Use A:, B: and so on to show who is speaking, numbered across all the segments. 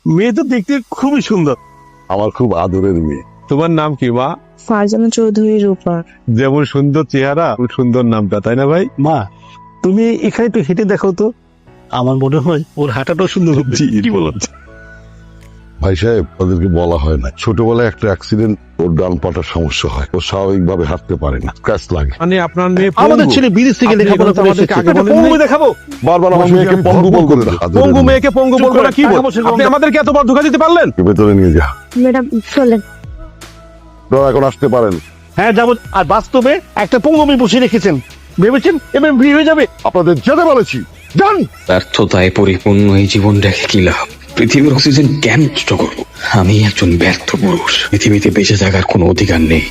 A: মেয়ে তো দেখতে খুবই সুন্দর।
B: আমার খুব আদরের মেয়ে।
A: তোমার নাম কি মা?
C: ফারজানা চৌধুরী রূপা।
A: যেমন সুন্দর চেহারা সুন্দর নামটা, তাই না ভাই? মা তুমি এখানে একটু হেঁটে দেখো তো, আমার মনে হয় ওর হাঁটাটাও সুন্দর হবে। কি বলো?
B: ভাই সাহেব, ওদেরকে বলা হয় না, ছোটবেলায় একটা অ্যাক্সিডেন্ট, ওর ডান পাটার সমস্যা হয়, ও স্বাভাবিকভাবে হাঁটতে পারে না, স্ক্র্যাচ লাগে।
A: মানে আপনার মেয়ে
D: আমাদের ছেলে বিদেশ থেকে লেখাপড়া করে
A: আমাদেরকে আগে বলেন
D: পঙ্গু
A: নাই?
D: দেখাবো,
B: বারবার আমার মেয়েকে পঙ্গু বলবে না।
D: পঙ্গু মেয়েকে পঙ্গু
A: চুপ
D: বলবো
A: করে
D: না কি বল?
A: বসে
D: আপনি আমাদেরকে এতবার ধোকা দিতে পারলেন?
B: ভেতরে নিয়ে যা,
C: ম্যাডাম চলেন।
B: আপনারা এখন আসতে পারেন।
D: হ্যাঁ যাবো। আর বাস্তবে একটা পঙ্গু মেয়ে বসে রেখেছেন, ভেবেছেন এবার বিয়ে হয়ে যাবে?
B: আপনাদের যেতে বলেছি, যান।
E: ব্যর্থতায় পরিপূর্ণ এই জীবন রেখে কি লাভ? পৃথিবীর অক্সিজেন কেন নষ্ট করবো? আমি একজন ব্যর্থ পুরুষ, পৃথিবীতে বেঁচে থাকার কোনো অধিকার নেই।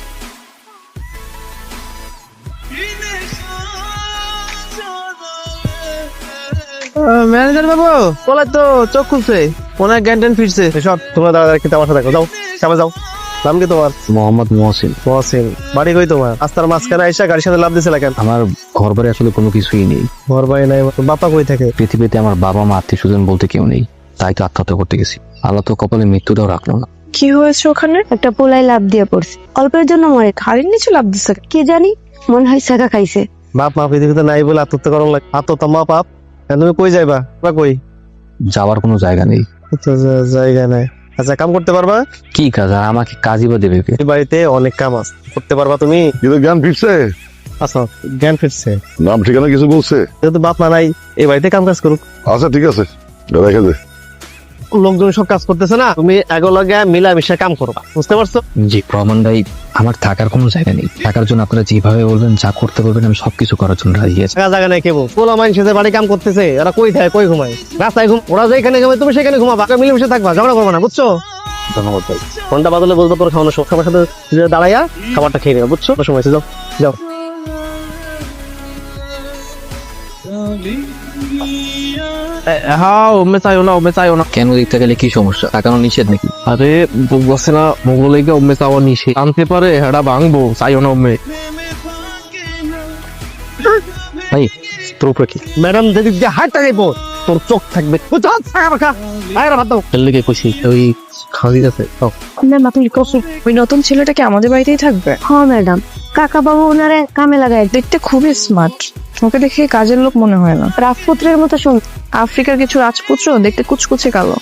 D: ম্যানেজার বাবু বলে তো চোখ খুলছে, অনেক জ্ঞান ট্যান ফিরছে। সব তোমরা দাঁড়া দাঁড়া আমার সাথে দেখো, যাও সামনে যাও। নাম কি তোমার?
F: মোহাম্মদ মহসিন।
D: মহসিন। বাড়ি কই তোমার? রাস্তার মাঝখানে আইসা গাড়ির সাথে লাভ দিছে কেন?
F: আমার ঘর বাড়ি আসলে কোনো কিছুই নেই।
D: ঘর বাড়ি নাই? বাপা কই থাকে?
F: পৃথিবীতে আমার বাবা মা আত্মীয় স্বজন বলতে কেউ নেই, তাই তো আত্মহত্যা করতে গেছি। আল্লাহ তো কপালে মৃত্যুটাও রাখলো না।
C: কি হয়েছে ওখানে? একটা পোলাই লাভ দিয়ে পড়ছে, অল্পের জন্য মরে খাড়ির নিচে লাভ দিচ্ছে। কি জানি, মনে হয় শেখা খাইছে।
D: বাপ মা পৃথিবীতে নাই বলে আত্মহত্যা করার লাগে? আত্মহত্যা মা পাপ। তুমি কই যাইবা বা কই?
F: যাওয়ার কোনো জায়গা নেই।
D: তো জায়গা নাই। আচ্ছা কাম করতে পারবা?
F: কি কাজ? আর আমাকে কাজই বা দেবে কে?
D: এই বাড়িতে অনেক কাম আছে, করতে পারবা তুমি?
B: কিন্তু জ্ঞান ফিরছে,
D: আচ্ছা জ্ঞান ফিরছে,
B: নাম ঠিকানা কিছু বলছে?
D: যেহেতু বাপ মা নাই এই বাড়িতে কাম কাজ করুক।
B: আচ্ছা ঠিক আছে, রেখে দে।
D: লোকজন সব কাজ করতেছে না, তুমি এগুলোকে মিলামিশা কাম করবা, বুঝতে পারছো?
F: জি রহমান ভাই, আমার থাকার কোনো জায়গা নেই। থাকার জন্য আপনারা যেভাবে বলবেন, যা করতে বলবেন, আমি সবকিছু করার জন্য রাজি আছি।
D: জায়গা জায়গা নাই কেবল পোলা মানুষের বাড়ি কাম করতেছে, ওরা কই থাকে কই ঘুমায়? রাস্তায় ঘুম, ওরা যেখানে ঘুমায় তুমি সেখানে ঘুমাবা, মিলেমিশে থাকবা, ঝগড়া করবা না, বুঝছো?
F: ধন্যবাদ ভাই।
D: ফোনটা বাদলে বলবো তোর খাওয়ানোর সময় আমার সাথে দাঁড়াইয়া খাবারটা খেয়ে নেবে, বুঝছো? সময় আছে, যাও যাও। হ্যাঁ ওমে চাইও না, ওমে চাইও না।
F: কেন দেখতে গেলে কি সমস্যা? তাকানো নিষেধ নাকি?
D: আরে বসে না মোগলেকে ওমে চাওয়া নিষে আনতে পারে, হেডা ভাঙবো, চাইও না ওমে।
F: ভাই তোর উপরে কি?
D: ম্যাডাম যেদিক দিয়ে হাঁটতে যাইবো তোর চোখ থাকবে।
F: কে খুশি ওই খাওয়া আছে।
C: আপনার মাথায় কষ্ট। ওই নতুন ছেলেটা কি আমাদের বাড়িতেই থাকবে? হ্যাঁ ম্যাডাম, কাকা বাবু ওনারে কামে লাগায়। দেখতে খুবই স্মার্ট, ওকে দেখে কাজের লোক মনে হয় না। রাজপুত্রের মতো শুন, আফ্রিকার কিছু রাজপুত্র দেখতে কুচকুচে কালো।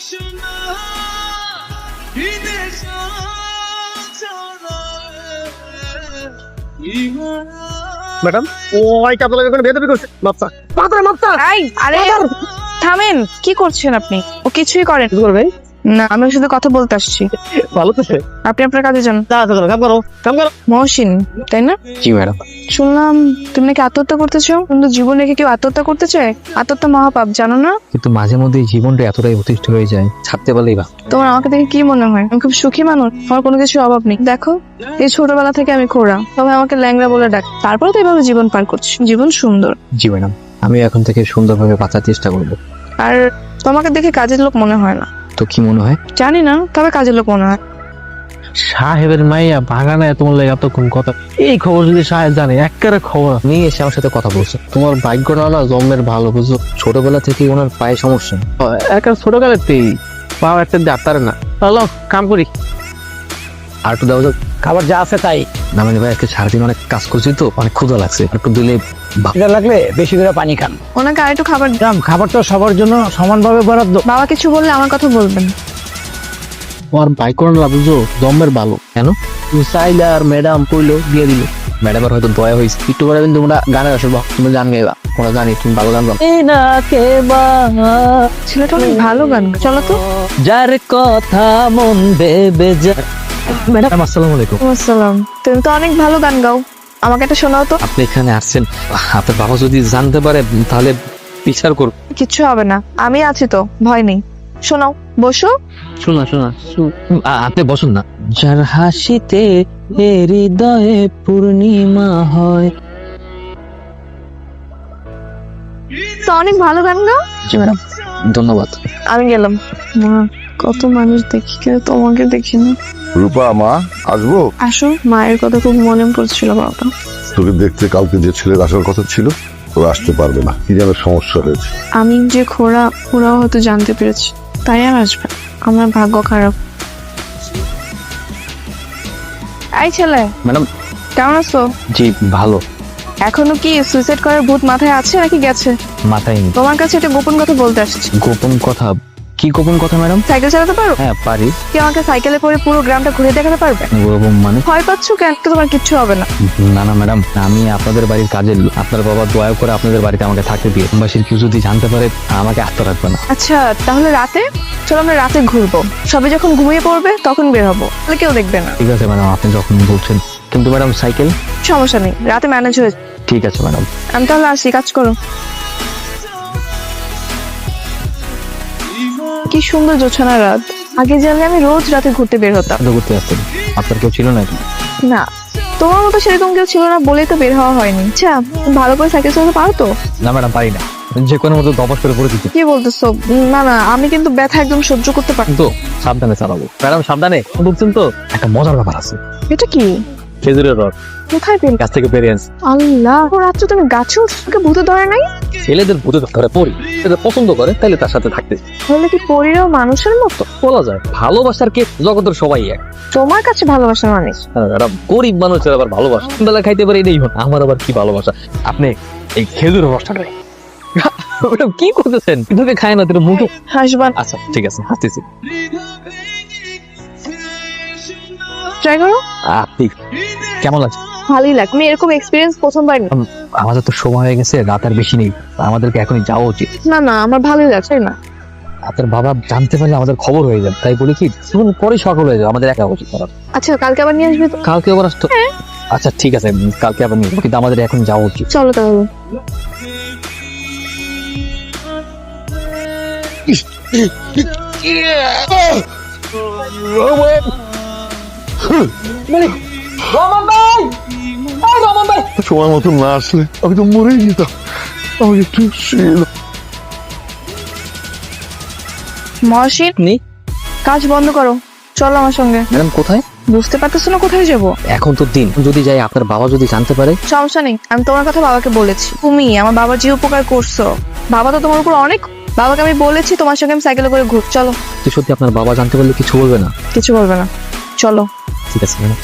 D: ম্যাডাম ওই কাপড় লাগে কোনো বেদবি করছে। মাপসা পাতরে মাপসা।
C: আরে থামেন, কি করছেন আপনি? ও কিছুই করেন
D: কি করবে?
C: না, আমি ওর সাথে কথা বলতে আসছি।
D: ভালো তো সে।
C: আপনি আপনার কাজে যান।
D: কাম করো কাম করো।
C: মহসিন তাই না?
F: জি ম্যাডাম।
C: শুনলাম তুমি নাকি আত্মহত্যা করতে চাও। কিন্তু জীবন রেখে কেউ আত্মহত্যা করতে চায়? আত্মহত্যা মহাপাপ, জানো না?
F: কিন্তু মাঝে মধ্যে এই জীবনটা এতটাই অতিষ্ঠ হয়ে যায়, ছাড়তে পারলেই বা।
C: তোমার আমাকে দেখে কি মনে হয় আমি খুব সুখী মানুষ? আমার কোনো কিছুর অভাব নেই। দেখো, এই ছোটবেলা থেকে আমি খোড়া, সবাই আমাকে ল্যাংড়া বলে ডাক, তারপরে তো এইভাবে জীবন পার করছি। জীবন সুন্দর।
F: জি ম্যাডাম, আমি এখন থেকে সুন্দরভাবে বাঁচার চেষ্টা করবো।
C: আর তোমাকে দেখে কাজের লোক মনে হয় না।
F: তো কি মনে হয়?
C: জানি না, তবে কাজের লোক মনে হয়।
D: সাহেবের মাইয়া বাগানে তোমার লাগে এতক্ষণ কথা, এই খবর যদি সাহেব জানে একেবারে খবর।
F: উনি এসে আমার সাথে কথা বলছে।
D: তোমার ভাগ্য না জন্মের ভালো, বুঝছো?
F: ছোটবেলা থেকে ওনার পায়ে সমস্যা।
D: একটা ছোটকালেতেই পাও একটা ডাক্তার না। চলো কাম করি।
F: আর একটু দেওয়া যাক।
D: খাবার যা আছে তাই।
F: না মানে ভাই, আজকে সারাদিন অনেক কাজ করছি তো, অনেক ক্ষুধা লাগছে। একটু দিলে
D: এটা লাগলে বেশি করে পানি খান।
C: ওনাকে আরেকটু খাবার দিন।
D: খাবার তো সবার জন্য সমানভাবে বরাদ্দ।
C: বাবা কিছু বললে আমার কথা বলবেন।
D: তোমার বাইক করে না, বুঝছো? জন্মের ভালো।
F: কেন?
D: তুমি চাইলে আর ম্যাডাম কইলো দিয়ে দিল।
F: ম্যাডামের হয়তো দয়া হয়েছে।
D: একটু পরে কিন্তু তোমরা গানে আসবো, তুমি গান গাইবা।
F: ওরা জানি তুমি ভালো গান গাও।
C: ছেলেটা অনেক ভালো গান গায়। চলো তো।
D: যার কথা মন দেবে যা।
F: ম্যাডাম আসসালামু আলাইকুম।
C: আসসালাম। তুমি তো অনেক ভালো গান গাও, আমাকে একটা শোনাও তো।
F: আপনি এখানে আসছেন, আপনার বাবা যদি জানতে পারে তাহলে বিচার করব।
C: কিচ্ছু হবে না, আমি আছি তো, ভয় নেই। শোনাও, বসো।
F: শোনা শোনা আপনি বসুন না। যার হাসিতে হৃদয়ে পূর্ণিমা হয়।
C: তো অনেক ভালো গান গাও।
F: জি ম্যাডাম, ধন্যবাদ।
C: আমি গেলাম। মা, কত মানুষ দেখি, কেউ তোমাকে দেখি না।
B: রূপা মা, আসবো?
C: আসো, মায়ের কথা খুব মনে পড়ছিল বাবা।
B: তোকে দেখতে কালকে যে ছেলের আসার কথা ছিল, ও আসতে পারবে না, কি যেন সমস্যা হয়েছে।
C: আমি যে খোড়াও হয়তো জানতে পেরেছি, তাই আর আসবে। আমার ভাগ্য খারাপ। এই ছেলে,
F: ম্যাডাম।
C: কেমন আছো?
F: জি ভালো।
C: এখনো কি সুইসাইড করার ভূত মাথায় আছে নাকি গেছে?
F: মাথায় নেই।
C: তোমার কাছে একটা গোপন কথা বলতে আসছি।
F: গোপন কথা? কি গোপন কথা ম্যাডাম?
C: সাইকেল চালাতে পারো?
F: হ্যাঁ পারি।
C: কি আমাকে সাইকেলে করে পুরো গ্রামটা ঘুরে দেখাতে পারবে?
F: ওরকম মানে?
C: ভয় পাচ্ছ কেন? তো তোমার কিচ্ছু হবে না।
F: না না ম্যাডাম, আমি আপনাদের বাড়ির কাজের লোক। আপনার বাবা দয়া করে আপনাদের বাড়িতে আমাকে থাকতে দিয়ে, বাসীর কেউ যদি জানতে পারে আমাকে আস্ত রাখবে না।
C: আচ্ছা তাহলে রাতে চলো, আমরা রাতে ঘুরবো। সবাই যখন ঘুমিয়ে পড়বে তখন বের হবো, তাহলে কেউ দেখবে না।
F: ঠিক আছে ম্যাডাম, আপনি যখন বলছেন। কিন্তু ম্যাডাম সাইকেল?
C: সমস্যা নেই, রাতে ম্যানেজ হয়ে।
F: ঠিক আছে ম্যাডাম।
C: আমি তাহলে আসি, কাজ করো। কি সুন্দর জোছানা রাত। আগে জানলে আমি রোজ রাতে ঘুরতে বের হতাম।
F: আপনি ঘুরতে আসতেন? আপনার কেউ ছিল নাকি?
C: না, তোমার মতো সেরকম কেউ ছিল না বলেই তো বের হওয়া হয়নি। আচ্ছা ভালো করে সাইকেল চালাতে পারো তো?
F: না ম্যাডাম পারি না, যে কোনো মতো দপাস করে পড়ে দিতে।
C: কি বলতেছো? না না, আমি কিন্তু ব্যথা একদম সহ্য করতে পারি।
F: তো সাবধানে চালাবো ম্যাডাম, সাবধানে। বুঝছেন তো? একটা মজার ব্যাপার আছে।
C: এটা কি?
F: খেজুরের রস
C: কোথায় পেন?
F: গাছ থেকে পেরে আনছি।
C: আল্লাহ, ও রাত্রে তুমি গাছে উঠে ভূতে ধরে নাই?
F: ছেলেদের ভূতে ধরে পড়ি, সেটা পছন্দ করে তাহলে তার সাথে থাকতে
C: তাহলে কি পরীরাও মানুষের মতো?
F: বলা যায়। ভালোবাসার কে জগতের সবাই এক।
C: তোমার কাছে ভালোবাসার মানুষ?
F: এরা গরিব মানুষের আবার ভালোবাসা বেলা খাইতে পারে, এটাই হন। আমার আবার কি ভালোবাসা। আপনি এই খেজুরের রসটা খাই। ম্যাডাম কি করতেছেন? কিভাবে খায় না তোর মুখে?
C: হাসবান।
F: আচ্ছা ঠিক আছে, হাসতেছি।
C: ট্রাই করো।
F: আপনি কেমন লাগছে?
C: ভালোই লাগে। আমি এরকম এক্সপিরিয়েন্স প্রথমবার না।
F: আমাদের তো সময় হয়ে গেছে, রাত আর বেশি নেই, আমাদেরকে এখনই যাওয়া উচিত।
C: না না, আমার ভালোই লাগছে না।
F: আপনার বাবা জানতে পারলে আমাদের খবর হয়ে যাবে, তাই বলি কি পরে সকাল হয়ে যাবে, আমাদের একা উচিত করার।
C: আচ্ছা কালকে আবার নিয়ে আসবে তো?
F: কালকে আবার আসতো? আচ্ছা ঠিক আছে, কালকে আবার নিয়ে যাবো, কিন্তু আমাদের এখন যাওয়া উচিত।
C: চলো তাহলে।
B: সময় মতো না আসলে আমি তো মরেই যেতাম। আমি একটু শুয়ে এলাম।
C: মহসিন,
F: নেই
C: কাজ বন্ধ করো, চলো আমার সঙ্গে।
F: ম্যাডাম কোথায়?
C: বুঝতে পারতেছো না কোথায় যাবো?
F: এখন তো দিন, যদি যাই আপনার বাবা যদি জানতে পারে?
C: সমস্যা নেই, আমি তোমার কথা বাবাকে বলেছি। তুমি আমার বাবার যে উপকার করছো, বাবা তো তোমার উপর অনেক। বাবাকে আমি বলেছি তোমার সঙ্গে আমি সাইকেলে করে ঘুর। চলো।
F: তো সত্যি আপনার বাবা জানতে পারলে কিছু বলবে না?
C: কিছু বলবে না, চলো।
F: ঠিক আছে ম্যাডাম।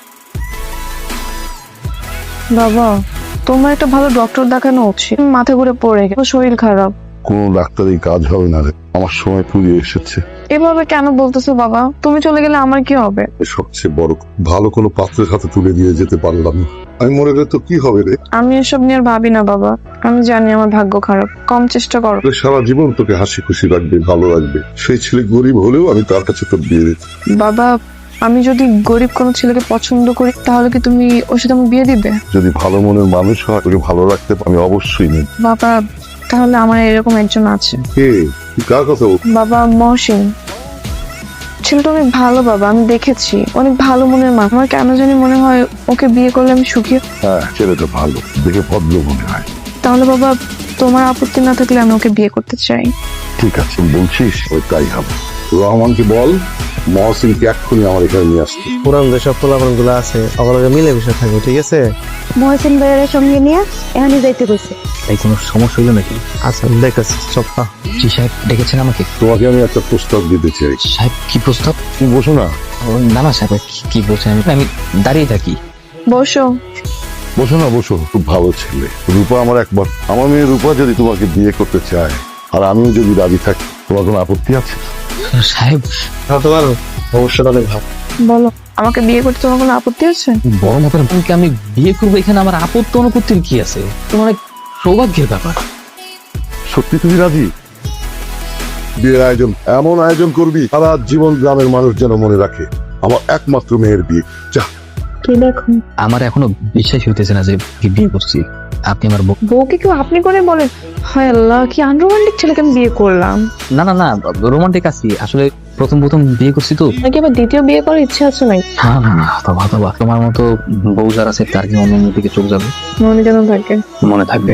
C: বাবা, তোমার একটা ভালো ডক্টর দেখানো উচিত। মাথা ঘুরে পড়ে গেছে, শরীর খারাপ।
B: কোনো ডাক্তারই কাজ হবে না রে, আমার সময় ফুরিয়ে এসেছে।
C: এভাবে কেন বলতেছো বাবা? তুমি চলে গেলে আমার কি হবে?
B: সবচেয়ে বড় ভালো কোনো পাত্রের হাতে তুলে দিয়ে যেতে পারলাম না। আমি মরে গেলে তো কি হবে রে?
C: আমি এসব নিয়ে আর ভাবি না বাবা। আমি জানি আমার ভাগ্য খারাপ, কম চেষ্টা করো।
B: সারা জীবন তোকে হাসি খুশি রাখবে, ভালো রাখবে। সেই ছেলে গরিব হলেও আমি তার কাছে তোর বিয়ে দিতে।
C: বাবা, আমি যদি গরিব কোনো ছেলেকে পছন্দ করি তাহলে কি তুমি ওর সাথে আমার বিয়ে দিবে?
B: যদি ভালো মনের মানুষ হয়, তোকে ভালো রাখতে আমি অবশ্যই নেব।
C: বাবা, তাহলে আমার এরকম একজন আছে।
B: কে? তুই কার কথা বল?
C: বাবা, মহসিন। ছেলেটা অনেক ভালো বাবা, আমি দেখেছি। অনেক ভালো মনের মা। আমার কেন জানি মনে হয় ওকে বিয়ে করলে আমি সুখী।
B: হ্যাঁ, ছেলেটা ভালো, দেখে ভদ্র মনে হয়।
C: তাহলে বাবা, তোমার আপত্তি না থাকলে আমি ওকে বিয়ে করতে চাই।
B: ঠিক আছে, বলছিস ওই তাই হবে। রহমানকে বল মহসিনকে এক্ষুনি আমার এখানে নিয়ে আসতে।
D: পুরান যেসব পোলাপান গুলো আছে ওগুলোকে মিলে মিশে থাকবে, ঠিক আছে?
G: মহসিন ভাইয়ের সঙ্গে নিয়ে এখানে যাইতে কইছে।
F: এই কোনো সমস্যা হইলো নাকি?
D: আচ্ছা দেখতেছি সব।
F: জি সাহেব ডেকেছেন আমাকে?
B: তোমাকে আমি একটা প্রস্তাব দিতে চাই।
F: সাহেব কি প্রস্তাব?
B: তুমি বসো না।
F: না না সাহেব, কি বলছেন? আমি দাঁড়িয়ে থাকি।
C: বসো।
B: বসো না, বসো। খুব ভালো ছেলে রূপা আমার একবার। আমার মেয়ে রূপা যদি তোমাকে বিয়ে করতে চায় আর আমিও যদি রাজি থাকি, তোমার কোনো আপত্তি আছে?
F: সাহেব
D: তোমার ভবিষ্যৎ অনেক ভালো।
C: বলো, আমাকে বিয়ে করতে তোমার কোনো আপত্তি আছে?
F: বড় মাপের বোনকে আমি বিয়ে করবো, এখানে আমার আপত্তি অনুপত্তির কি আছে? তোমার এক সৌভাগ্যের ব্যাপার।
B: সত্যি তুমি রাজি? বিয়ের আয়োজন এমন আয়োজন করবি সারা জীবন গ্রামের মানুষ যেন মনে রাখে আমার একমাত্র মেয়ের বিয়ে। যা।
C: কি দেখো,
F: আমার এখনো বিশ্বাস হইতেছে না যে বিয়ে করছি। আপনি আমার
C: বউকে কেউ আপনি করে বলেন? হায় আল্লাহ, কি আনরোমান্টিক ছেলেকে আমি বিয়ে করলাম।
F: না না না, রোমান্টিক আছি আসলে, প্রথম বিয়ে করছি তো।
C: নাকি আবার দ্বিতীয় বিয়ে করার ইচ্ছা আছে নাই?
F: না না না, তোমার মতো বউ যারা আছে তার কি অন্য দিকে চোখ যাবে?
C: মনে যেন থাকে।
F: মনে থাকবে।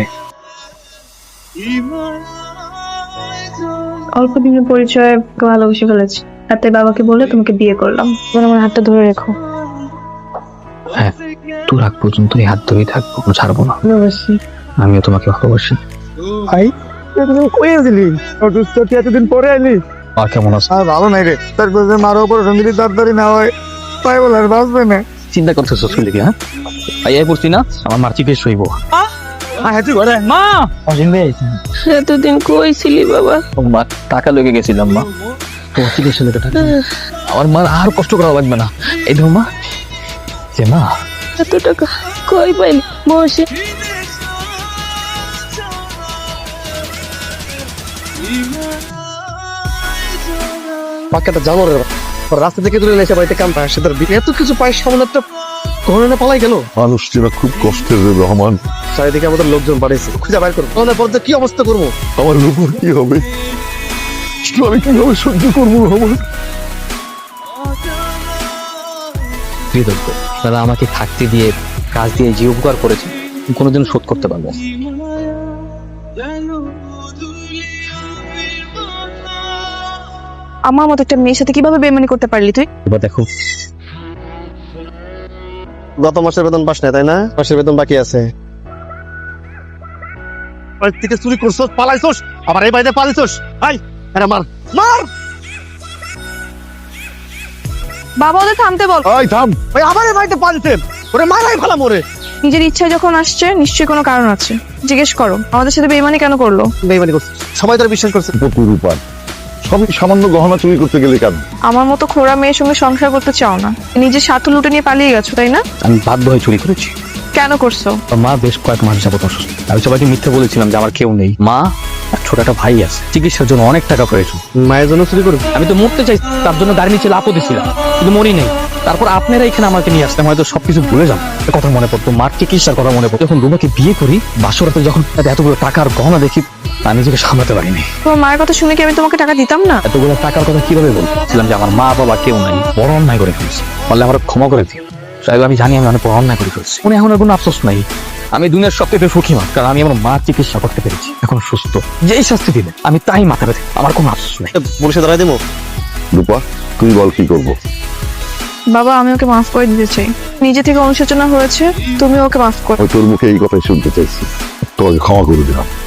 C: অল্প দিনের পরিচয়ে ভালোবেসে ফেলেছি, আর তাই বাবাকে বলে তোমাকে বিয়ে করলাম। এবার আমার হাতটা ধরে রেখো।
F: হ্যাঁ, তোর আগ পর্যন্ত এই হাত ধরেই থাকবো, ছাড়বো না।
C: ভালোবাসি।
F: আমিও তোমাকে ভালোবাসি।
D: ভাই, তুই কই আসলি? এতদিন পরে আইলি।
F: মা কেমন আছে?
D: আর ভালো নাই রে, তার কাছে মারো উপর সঙ্গীত তাড়াতাড়ি না হয় তাই বলে আর বাঁচবে না।
F: চিন্তা করতেছো শুনলে কি? হ্যাঁ আই পড়ছি না, আমার মার চিকিৎসা হইব। মা অসীম ভাই,
C: এতদিন কই ছিলি বাবা?
F: মা টাকা লেগে গেছিলাম মা, তোমার চিকিৎসা লেগে টাকা। আমার মার আর কষ্ট করা লাগবে না। এই ধরো মা, যে মা
C: এত টাকা কই পাইলি? বসে
D: বাক্যটা জানো রে, রাস্তা থেকে দূরে এসে বাড়িতে কাম পায়, সে তার এত কিছু পায় সামনে একটা ঘরে পালাই গেল।
B: মানুষ চেনা খুব কষ্টের রে রহমান।
D: চারিদিকে আমাদের লোকজন বাড়িয়েছে, খুঁজে বাইর করবো। আমাদের পর কি অবস্থা করবো?
B: আমার উপর কি হবে? আমি কিভাবে সহ্য করবো রহমান?
F: কৃতজ্ঞ তারা আমাকে থাকতে দিয়ে, কাজ দিয়ে যে উপকার করেছে কোনোদিন শোধ করতে পারবো না।
C: আমার মতো একটা মেয়ের সাথে কিভাবে বেইমানি করতে পারলি তুই?
F: এবার দেখো,
D: গত মাসের বেতন পাস না তাই না? মাসের বেতন বাকি আছে। বাড়ি থেকে চুরি করছস, পালাইছস, আবার এই বাড়িতে পালাইছস। আই আরে মার মার,
C: বাবা ওদের থামতে বল।
B: এই থাম।
D: ওই আবার এই বাড়িতে পালাইছেন, ওরে মারাই ফেলা মোরে।
C: নিজের ইচ্ছায় যখন আসছে নিশ্চয়ই কোনো কারণ আছে, জিজ্ঞেস করো আমাদের সাথে বেইমানি কেন করলো।
D: বেইমানি করছিস, সবাই তোর বিশ্বাস করছে।
B: পুকুর উপার সবই সামান্য গহনা চুরি করতে গেলে কেন?
C: আমার মতো খোড়া মেয়ের সঙ্গে সংসার করতে চাও না, নিজের স্বার্থ লুটে নিয়ে পালিয়ে গেছো তাই না?
F: আমি বাধ্য হয়ে চুরি করেছি।
C: কেন করছো?
F: আমার মা বেশ কয়েক মাস যাবত অসুস্থ। আমি সবাইকে মিথ্যে বলেছিলাম যে আমার কেউ নেই। মা আর ছোট একটা ভাই আছে, চিকিৎসার জন্য অনেক টাকা প্রয়োজন।
D: মায়ের জন্য চুরি করবি?
F: আমি তো মরতে চাই, তার জন্য গাড়ি নিচে লাফও দিছিলাম, কিন্তু মরি নেই। তারপর আপনারা এখানে আমাকে নিয়ে আসলাম, হয়তো সবকিছু ভুলে যান। কথা মনে পড়তো, মার চিকিৎসার কথা মনে পড়তো। যখন রুমাকে বিয়ে করি, বাসরাতে যখন এতগুলো টাকার গহনা দেখি, আমি নিজেকে সামলাতে পারিনি।
C: তোমার মায়ের কথা শুনে কি আমি তোমাকে টাকা দিতাম না?
F: এতগুলো টাকার কথা কিভাবে বলছিলাম যে আমার মা বাবা কেউ নাই, বড় অন্যায় করে ফেলছি, বললে আমার ক্ষমা করে দিও সাহেব। আমি জানি আমি অনেক বড় অন্যায় করে ফেলছি, উনি এখন আর কোনো আফসোস নাই। আমি দুনিয়ার সবথেকে সুখী মা, কারণ আমি আমার মার চিকিৎসা করতে পেরেছি, এখন সুস্থ। যেই শাস্তি দিবে আমি তাই মাথা ব্যথা, আমার কোনো আফসোস নেই।
D: পুলিশে ধরাই দেবো।
B: রূপা তুই বল কি করবো?
C: বাবা আমি ওকে মাফ করে দিতে চাই, নিজে থেকে অনুশোচনা হয়েছে, তুমি ওকে মাফ করো।
B: তোর মুখে এই কথাই শুনতে চাইছি, তোকে ক্ষমা করে দিলাম।